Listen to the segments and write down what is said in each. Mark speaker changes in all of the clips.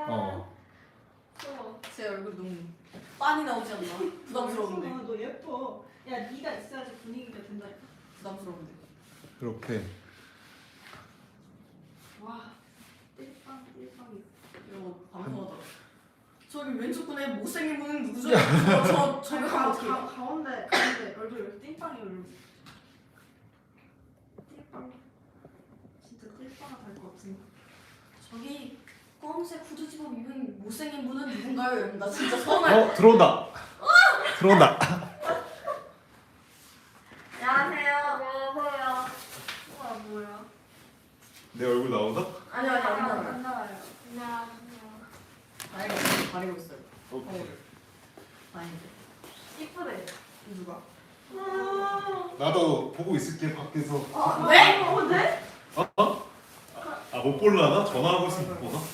Speaker 1: 제 얼굴 너무 빤히 나오지 않나? 부담스러운데.
Speaker 2: 너 예뻐. 야 네가 있어야지 분위기가 된다니까.
Speaker 1: 부담스러운데.
Speaker 3: 이렇게.
Speaker 2: 와 띨빵이.
Speaker 1: 이거 방송하다. 저기 왼쪽 분에 못생긴 분은 누구죠? 저 저격하면 어떡해요?
Speaker 2: 가운데 얼굴 띨빵이 얼굴. 띨빵. 진짜 띨빵 될것 같은데.
Speaker 1: 저기 검은색 후드 집업 입은 못생긴 분은 누군가요? 여러분 나 진짜 서운해.
Speaker 3: 들어온다. 들어온다.
Speaker 1: 안녕하세요.
Speaker 2: 안녕하세요. 우와 뭐야?
Speaker 3: 내 얼굴 나온다?
Speaker 1: 아니요 안 나와요.
Speaker 2: 안 나와요. 안녕하세요.
Speaker 1: 가리고 있어요.
Speaker 3: 오케이.
Speaker 1: 다행이다.
Speaker 2: 이쁘네.
Speaker 1: 누가?
Speaker 3: 나도 보고 있을게 밖에서.
Speaker 1: 네?
Speaker 2: 네?
Speaker 3: 못 볼라나? 전화하고 있으면 못 보나?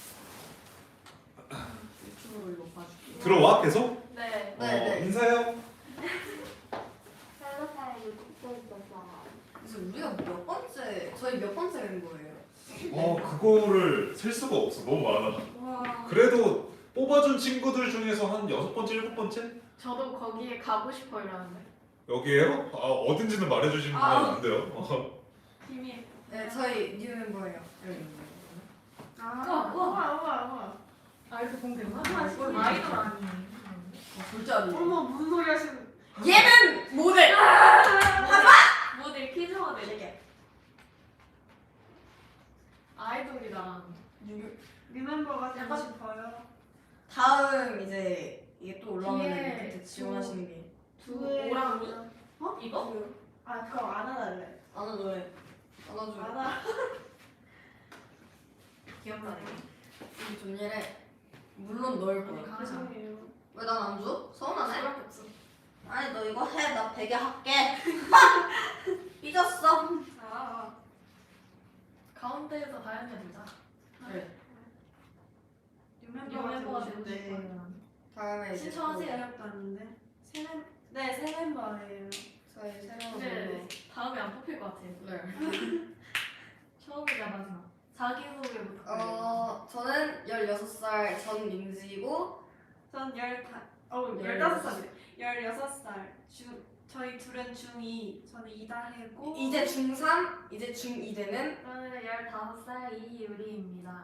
Speaker 1: 유튜브로 이거 봐줄게요.
Speaker 3: 들어와 계속?
Speaker 2: 네.
Speaker 1: 네.
Speaker 3: 인사해요.
Speaker 1: 그래서 우리가 몇 번째? 저희 몇 번째 된 거예요?
Speaker 3: 그거를 셀 수가 없어. 너무 많아.
Speaker 2: 와.
Speaker 3: 그래도 뽑아준 친구들 중에서 한 6번째, 7번째?
Speaker 2: 저도 거기에 가고 싶어 이러는데.
Speaker 3: 여기에요? 어딘지는 말해주시면 안 돼요.
Speaker 2: 비밀.
Speaker 1: 네, 저희 뉴 멤버예요. 여기.
Speaker 2: 우와.
Speaker 4: 아이돌 공개구나?
Speaker 2: 아이돌
Speaker 4: 아이돌 아니에요.
Speaker 1: 절대 아니에요.
Speaker 2: 어머 무슨 소리 하시는?
Speaker 1: 얘는 모델!
Speaker 2: 모델 퀴즈 모델.
Speaker 1: 이게.
Speaker 2: 아이돌이다.
Speaker 1: 뉴-
Speaker 2: 리멤버가 되고
Speaker 1: 약간-
Speaker 2: 싶어요.
Speaker 1: 다음 이제 이게 또 올라오면
Speaker 2: 뒤에
Speaker 1: 그때 지원하시는 게
Speaker 2: 두랑
Speaker 4: 이거?
Speaker 2: 아 그럼 안 하달래.
Speaker 1: 안아 노래 안아줘.
Speaker 2: 안아.
Speaker 1: 귀엽다네. 우리 존예래. 물론 너일 거야.
Speaker 2: 죄송해요.
Speaker 1: 왜 난 안 줘? 서운하네?
Speaker 2: 수밖에 없어.
Speaker 1: 아니 너 이거 해. 나 베개 할게. 삐졌어.
Speaker 2: 아.
Speaker 4: 가운데에서 다현이 보자.
Speaker 1: 그래.
Speaker 4: 리멤버가 되고 싶어요.
Speaker 1: 다음에 이제
Speaker 4: 신청하세요.
Speaker 2: 어렵도 아닌데. 새 멤버예요.
Speaker 1: 저희 새로운
Speaker 4: 근데
Speaker 1: 멤버.
Speaker 4: 다음에 안 뽑힐 것 같아요.
Speaker 1: 네.
Speaker 4: 처음이자 마지막. 자기소개 부탁드려요.
Speaker 1: 저는 16살 전민지이고
Speaker 2: 전 15살. 16살. 저희 둘은 중2. 저는 이다혜고.
Speaker 1: 이제 중3, 이제 중2 되는
Speaker 4: 저는 15살 이유리입니다.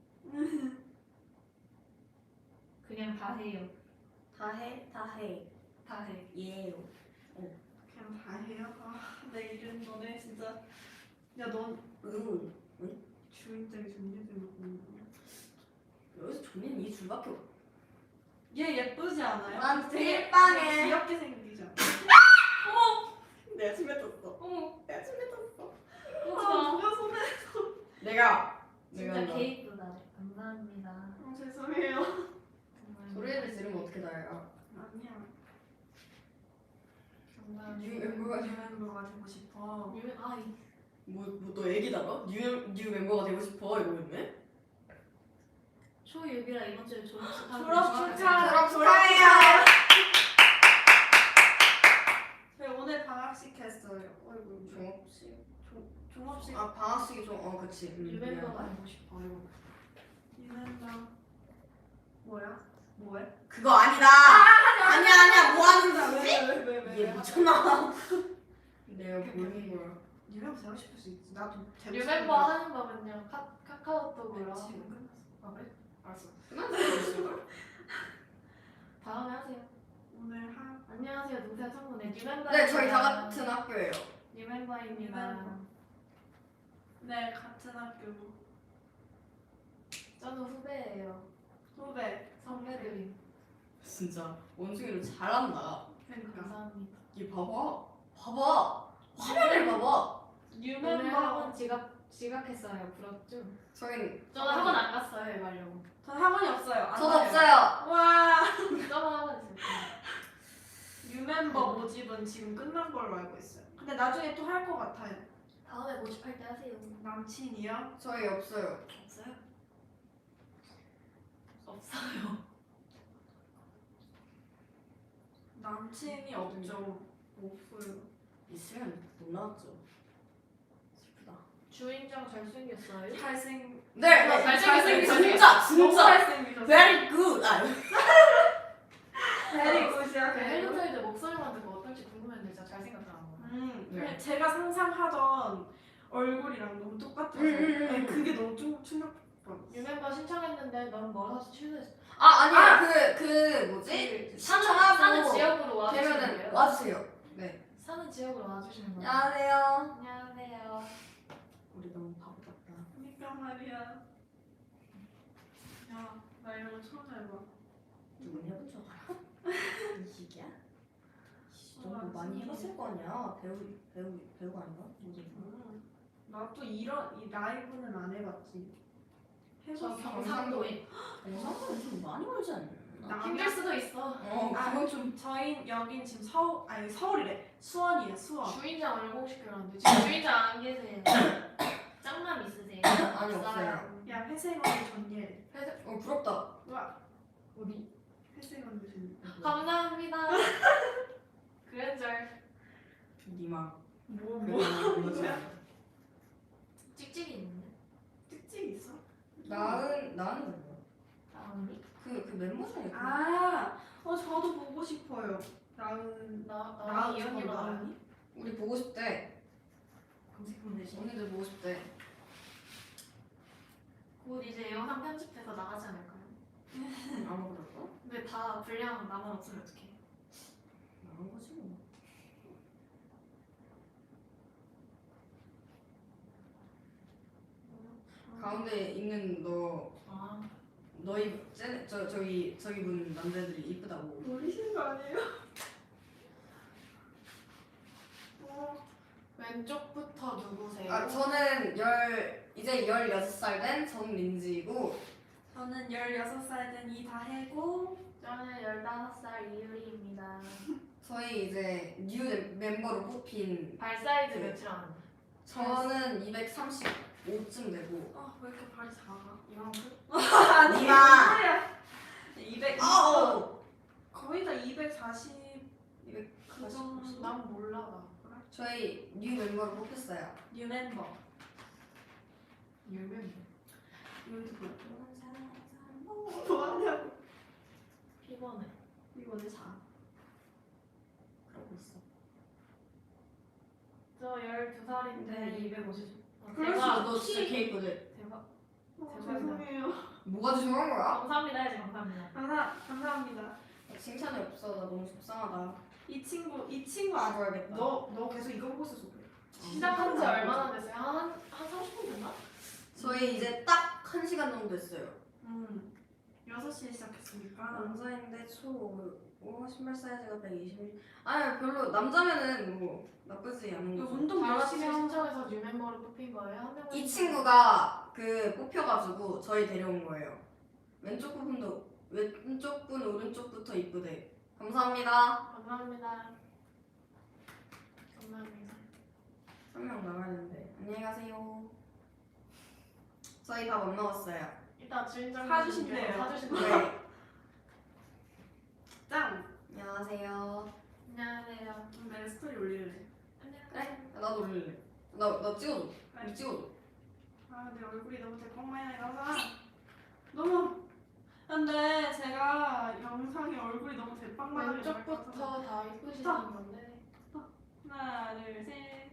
Speaker 4: 그냥 다 해요.
Speaker 1: 다해.
Speaker 4: 다 해.
Speaker 1: 예요.
Speaker 2: 그냥 다 해요. 내 이름 너네 진짜. 야 넌 주인장이 존재되는
Speaker 1: 여기서 존예는 이 줄밖에 없어.
Speaker 2: 얘 예쁘지 않아요?
Speaker 1: 난
Speaker 2: 되게
Speaker 1: 딜빵해.
Speaker 2: 귀엽게 생기죠.
Speaker 1: 내가 침 뱉었어.
Speaker 4: 어머,
Speaker 1: 내가 침 뱉었어.
Speaker 2: 누가 손에?
Speaker 1: 내가
Speaker 4: 진짜
Speaker 1: 한다.
Speaker 4: 개이쁘다. 감사합니다.
Speaker 2: 죄송해요.
Speaker 4: 정말.
Speaker 1: 소리를 지르면 어떻게 나요?
Speaker 2: 아니야.
Speaker 1: 뉴 멤버가
Speaker 2: 멤버가 되고 싶어.
Speaker 1: 너 애기다가? 뉴 멤버가 되고 싶어 이러겠네?
Speaker 4: 초유비라 이번 주에 졸업식 하고
Speaker 2: 졸업
Speaker 1: 졸업
Speaker 2: 축하해요.
Speaker 1: 축하해요.
Speaker 2: 저희 오늘 방학식 했어요. 어이구.
Speaker 1: 종업식?
Speaker 2: 종업식.
Speaker 1: 방학식이 그치.
Speaker 4: 유멤버가 되고 싶어요.
Speaker 2: 유멤버. 뭐야? 뭐해?
Speaker 1: 그거 아니다. 아니야 뭐 하는 거야?
Speaker 2: 왜?
Speaker 1: 얘 미쳤나? 내가 모르는 거야.
Speaker 2: 유멤버 되고 싶을 수 있지. 나도 되고
Speaker 4: 유멤버 하는 거면요. 카카오톡으로
Speaker 2: 지금
Speaker 4: 하고.
Speaker 2: 끝났어.
Speaker 4: 아 그래?
Speaker 1: 알았어. 끝났어.
Speaker 4: 다음에 하세요.
Speaker 2: 오늘 한
Speaker 4: 안녕하세요. 농사 청문회 유멤버.
Speaker 1: 네 저희 다 같은 학교예요.
Speaker 4: 유멤버입니다.
Speaker 2: 유멤버. 네 같은 학교
Speaker 4: 저는 후배예요.
Speaker 2: 후배
Speaker 4: 선배들이.
Speaker 1: 진짜 원숭이를 잘한다.
Speaker 2: 그러니까
Speaker 4: 감사합니다.
Speaker 1: 얘 봐봐. 화면을 봐봐.
Speaker 4: 오늘
Speaker 2: 유멤버.
Speaker 4: 학원 지각했어요. 부럽죠?
Speaker 1: 저긴
Speaker 4: 저는 학원 안 갔어요. 이거 하려고.
Speaker 2: 전 학원이 없어요. 안
Speaker 1: 저도
Speaker 2: 가요.
Speaker 1: 없어요.
Speaker 2: 와.
Speaker 4: 저만 학원 있어요.
Speaker 2: 유멤버 모집은 지금 끝난 걸로 알고 있어요. 근데 나중에 또 할 것 같아요.
Speaker 4: 다음에 모집할 때 하세요.
Speaker 2: 남친이요?
Speaker 1: 저희 없어요.
Speaker 4: 없어요? 없어요.
Speaker 2: 남친이 없죠. 없어요.
Speaker 1: 있으면 못 나왔죠. 슬프다.
Speaker 4: 주인장 잘생겼어요?
Speaker 2: 잘생.
Speaker 1: 네,
Speaker 4: 잘생겼어요.
Speaker 1: 진짜
Speaker 4: 너무
Speaker 1: 네.
Speaker 2: 제가 상상하던 얼굴이랑 너무 똑같아서 네, 그게 너무 충격받았어.
Speaker 4: 유멤버 신청했는데 넌 멀어서 취소했어.
Speaker 5: 아니야 그 뭐지?
Speaker 4: 사는 지역으로 와주시면
Speaker 5: 되면은
Speaker 4: 돼요.
Speaker 5: 와주세요. 네.
Speaker 4: 사는 지역으로 와주시면 돼요.
Speaker 5: 안녕하세요.
Speaker 4: 안녕하세요.
Speaker 5: 우리 너무 바보 같다.
Speaker 2: 그러니까 말이야. 야, 나 이런 거 처음 해봐.
Speaker 5: 누군 해본 줄 알아? 이 시기야? 너무 많이 해봤을 거 아니야. 배우가 아닌가? 뭐지?
Speaker 2: 나 또 이런 이 라이브는 안 해봤지.
Speaker 4: 저
Speaker 2: 해봤어.
Speaker 4: 경상도에.
Speaker 5: 영상은 좀 많이 멀지 않나?
Speaker 2: 나
Speaker 4: 힘들 수도 있어.
Speaker 5: 그건 좀.
Speaker 2: 저희 여긴 지금 서울이래. 수원이래 수원.
Speaker 4: 주인장 얼공시키라는데 지금 주인장 안 계세요. 짱남 있으세요?
Speaker 5: 아니, 없어요.
Speaker 2: 야 회색 언니 전예.
Speaker 5: 부럽다.
Speaker 2: 와
Speaker 4: 어디?
Speaker 2: 회색 언니 전예.
Speaker 4: 감사합니다. 그랜절
Speaker 5: 니마.
Speaker 2: 뭐야?
Speaker 4: 찍찍이 있는데?
Speaker 2: 특징 있어?
Speaker 5: 나은 뭐야?
Speaker 4: 나은이?
Speaker 5: 그 멤버 중에
Speaker 2: 저도 보고 싶어요. 나은
Speaker 4: 나은이 언니로 알아.
Speaker 2: 나은이?
Speaker 5: 우리 보고 싶대.
Speaker 4: 검색하면 되지.
Speaker 5: 언니들 보고 싶대.
Speaker 4: 곧 이제 영상 편집돼서 나가지 않을까요?
Speaker 5: 아마 그럴까?
Speaker 4: 근데 다 분량 나만 없으면 어떡해.
Speaker 5: 나간 거지 뭐. 가운데 있는
Speaker 4: 아,
Speaker 5: 저기 분 남자들이 이쁘다고.
Speaker 2: 놀리시는 거 아니에요?
Speaker 4: 왼쪽부터 누구세요?
Speaker 5: 저는 이제 16살 된 정민지이고
Speaker 2: 저는 16살 된 이다혜고
Speaker 4: 저는 15살 이유리입니다.
Speaker 5: 저희 이제 뉴 멤버로 뽑힌
Speaker 4: 발 사이즈
Speaker 5: 네.
Speaker 4: 몇이라 하는데?
Speaker 5: 저는 235쯤 되고
Speaker 2: 왜 이렇게 발이 작아?
Speaker 4: 이만큼?
Speaker 5: 아니야.
Speaker 2: 200
Speaker 5: 아우.
Speaker 2: 거의 다 240
Speaker 5: 그
Speaker 2: 정도.
Speaker 4: 난 몰라 나.
Speaker 5: 저희 뉴 멤버로 뽑혔어요.
Speaker 2: 뉴 멤버.
Speaker 4: 유명.
Speaker 2: 여기도 보여. 뭐하냐고.
Speaker 4: 피곤해.
Speaker 2: 이거는 4.
Speaker 5: 그러고 있어.
Speaker 4: 저 12살인데
Speaker 2: 네.
Speaker 4: 250.
Speaker 2: 그럴
Speaker 4: 대박.
Speaker 5: 너 진짜 케이크들.
Speaker 4: 대박.
Speaker 2: 죄송해요.
Speaker 5: 뭐가 죄송한 거야?
Speaker 4: 감사합니다 해야지 감사합니다.
Speaker 2: 감사합니다.
Speaker 5: 칭찬이 없어. 나 너무 속상하다.
Speaker 2: 이 친구 아,
Speaker 5: 죽어야겠다.
Speaker 2: 너 계속 이거 보고 있어서 그래.
Speaker 4: 시작한 지 얼마나 됐어요? 한 30분 됐나?
Speaker 5: 저희 이제 딱 1시간 정도 됐어요.
Speaker 2: 6시에 시작했으니까.
Speaker 5: 남자인데 신발 사이즈가 121. 아니 별로 남자면은 뭐 나쁘지 않은
Speaker 2: 이거
Speaker 5: 거죠.
Speaker 2: 운동
Speaker 4: 다 같이
Speaker 2: 열심히 하면
Speaker 4: 신청해서 뉴 멤버를 뽑힌 거예요? 한 명은
Speaker 5: 이 친구가 뽑혀가지고 저희 데려온 거예요. 왼쪽 분 오른쪽부터 이쁘대. 감사합니다.
Speaker 4: 감사합니다. 감사합니다.
Speaker 5: 한 명 나가야 되는데 안녕히 가세요. 저희 밥 안 먹었어요.
Speaker 4: 이따 주인장
Speaker 2: 사주신대요.
Speaker 4: 사주신대요.
Speaker 5: 네.
Speaker 2: 짱.
Speaker 5: 안녕하세요.
Speaker 4: 안녕하세요.
Speaker 2: 내 스토리 올릴래.
Speaker 5: 그래? 나도 올릴래. 나 찍어줘. 우리 찍어줘.
Speaker 2: 내 얼굴이 너무 대빵마냥 나가. 너무. 근데 제가 영상에 얼굴이 너무 대빵마냥
Speaker 4: 왼쪽부터 다 이쁘시는 건데.
Speaker 2: 하나, 둘, 셋.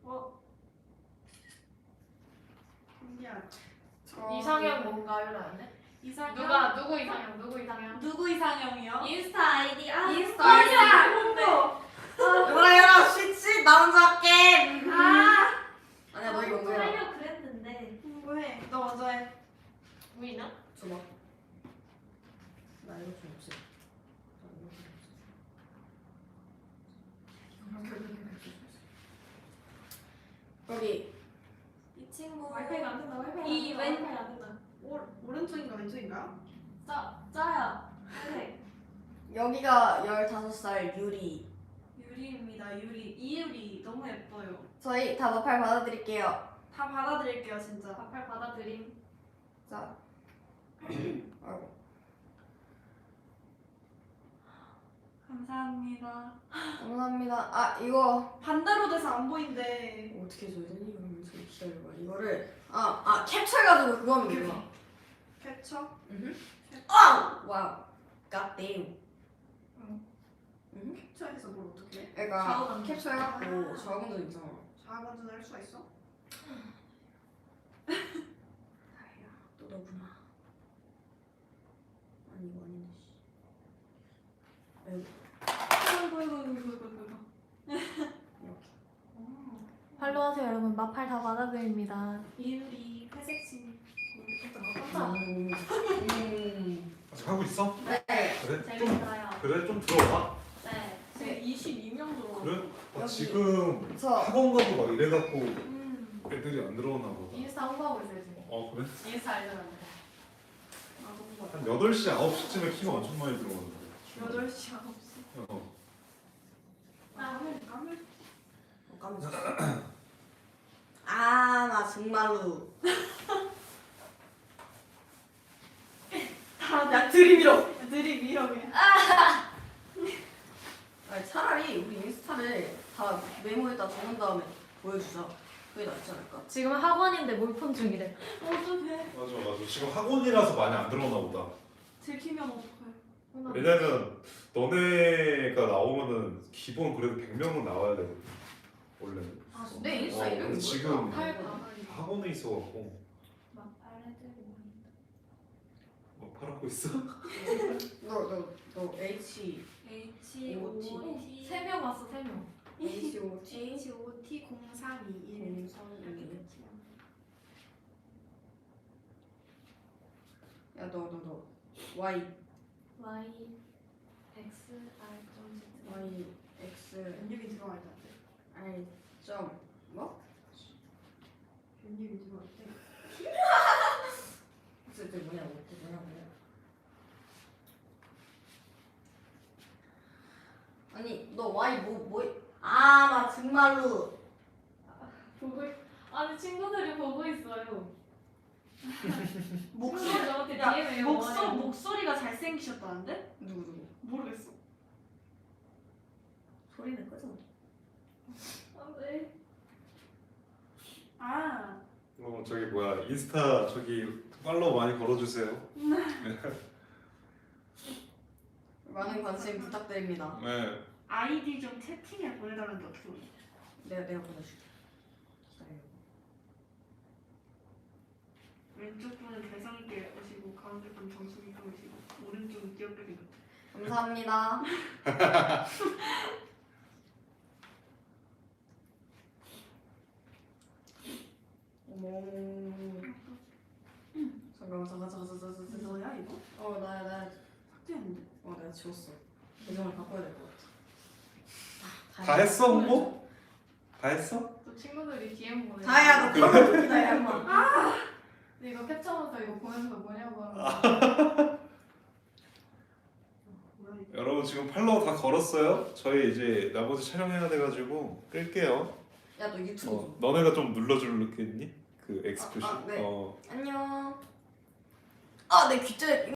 Speaker 2: 신기하다.
Speaker 4: 이상형 뭔가요? 라는데?
Speaker 2: 이상형.
Speaker 4: 누구 이상형? 누구 이상형?
Speaker 2: 누구 이상형이요?
Speaker 4: 인스타 아이디
Speaker 5: 인스타 아이디. 뭐야 쉬지 나 혼자 할게. 아니야 너 이거 뭐야?
Speaker 4: 하려고 그랬는데
Speaker 2: 홍보해. 너 먼저 해.
Speaker 4: 보이나?
Speaker 5: 줘봐. 나 이거 좀 없애. 여기
Speaker 2: 이 친구.
Speaker 4: 와이파이가 안 된다. 와이파이가
Speaker 2: 이
Speaker 4: 안 된다.
Speaker 2: 왼-
Speaker 4: 와이파이가 안 된다.
Speaker 2: 오른쪽인가 왼쪽인가?
Speaker 4: 짜야. 그래.
Speaker 5: 여기가 15살 유리.
Speaker 2: 유리입니다. 이유리 너무 예뻐요.
Speaker 5: 저희 다 마팔 받아드릴게요.
Speaker 2: 다 받아드릴게요 진짜.
Speaker 4: 마팔 받아드림.
Speaker 5: 자. 아이고.
Speaker 2: 감사합니다.
Speaker 5: 감사합니다. 이거
Speaker 2: 반대로 돼서 안 보인대.
Speaker 5: 어떻게 줘야 되니? 이러면 좀 기다려봐. 이거를 캡처해가지고 그거 하면 되구나.
Speaker 2: 캡처?
Speaker 5: 와우. 갓데임.
Speaker 2: 캡처? 캡처해서 뭘 어떻게 해?
Speaker 5: 그러니까
Speaker 2: 좌우간
Speaker 5: 캡처해갖고 좌우간도 있잖아.
Speaker 2: 좌우간전을 할 수가 있어?
Speaker 5: 아야 또 너구나. 아니 이거 아닌데 씨. 아이고
Speaker 2: 이거.
Speaker 5: 이렇게.
Speaker 4: 팔로우하세요 여러분. 마팔 다 받아드립니다.
Speaker 2: 이유리 회색심.
Speaker 3: 아직 하고 있어?
Speaker 5: 네.
Speaker 3: 그래?
Speaker 4: 재밌어요.
Speaker 3: 그래? 좀 들어봐.
Speaker 4: 네.
Speaker 2: 제 22명 들어.
Speaker 3: 그래?
Speaker 5: 여기.
Speaker 3: 지금
Speaker 5: 저
Speaker 3: 학원 가고 막 이래갖고
Speaker 2: 음.
Speaker 3: 애들이 안 들어오나 보다.
Speaker 4: 인스타 홍보하고 있어요 지금.
Speaker 3: 그래?
Speaker 4: 인스타 알잖아요.
Speaker 3: 한 8시, 9시쯤에 키가 엄청 많이 들어오는데.
Speaker 2: 8시 9시. 까물.
Speaker 5: 까먹었어. 아나 정말로.
Speaker 2: 야 들이밀어. 들이밀어 그냥.
Speaker 5: 아니 차라리 우리 인스타를 다 메모에다 적은 다음에 보여주자. 그게 낫지 않을까?
Speaker 4: 지금 학원인데 몰폰 중이래.
Speaker 2: 어떡해.
Speaker 3: 맞아. 지금 학원이라서 많이 안 들어오나 보다.
Speaker 2: 들키면 어떡해.
Speaker 3: 왜냐면 너네가 나오면은 기본 그래도 100명은 나와야 돼. 원래.
Speaker 5: 아, 내 인스타 이름이 뭐야?
Speaker 3: 지금
Speaker 4: 팔 받아드립니다.
Speaker 3: 학원에 있어갖고
Speaker 4: 마팔 해드립니다.
Speaker 3: 뭐 팔았고 있어?
Speaker 5: 너 H
Speaker 2: H-O-T
Speaker 4: 3명 왔어 3명.
Speaker 5: H-O-T
Speaker 2: H-O-T 0321
Speaker 5: 야너 Y
Speaker 4: Y X R 점 Z.
Speaker 5: Y X
Speaker 2: 연육이 들어갈 때
Speaker 5: R 점 뭐?
Speaker 2: 연육이 들어갈 때
Speaker 5: 그때 뭐냐고 아니 너 Y 나 정말로
Speaker 4: 보고 아니 친구들이 보고 있어요.
Speaker 2: 목소리
Speaker 4: 친구들 저한테
Speaker 2: 야,
Speaker 4: DM해요.
Speaker 2: 목소리가 잘생기셨다는데?
Speaker 5: 누구
Speaker 2: 모르겠어.
Speaker 5: 소리는 끄죠.
Speaker 4: 안돼.
Speaker 2: 아
Speaker 3: 저기 뭐야 인스타 저기 팔로우 많이 걸어주세요.
Speaker 5: 많은 관심 부탁드립니다.
Speaker 3: 네.
Speaker 2: 아이디 좀 채팅에 보내달라는데 어떻게 보내?
Speaker 5: 내가 보내줄게. 기다려.
Speaker 2: 왼쪽 분은 개성 있게 오시고 가운데 분은 정수 있게 오시고 오른쪽은 귀엽게 생겼대.
Speaker 5: 감사합니다. 어머. 잠깐만.
Speaker 2: 너야 이거?
Speaker 5: 나야.
Speaker 2: 삭제했는데?
Speaker 5: 내가 지웠어. 계정을 바꿔야 될 것 같아.
Speaker 3: 다 했어 홍보? 다 했어?
Speaker 4: 또 친구들이 DM 보내.
Speaker 5: 다야 너 그런 웃기다 야 인마.
Speaker 4: 근데 이거 캡처하면서 이거 보내는 거 뭐냐고 하는
Speaker 2: 뭐야 이거?
Speaker 3: 여러분 지금 팔로우 다 걸었어요? 저희 이제 나머지 촬영해야 돼가지고 끌게요.
Speaker 5: 야너 유튜브.
Speaker 3: 너네가 좀 눌러줄겠니? 그 X 표시.
Speaker 5: 네.
Speaker 3: 어.
Speaker 5: 안녕. 내 귀째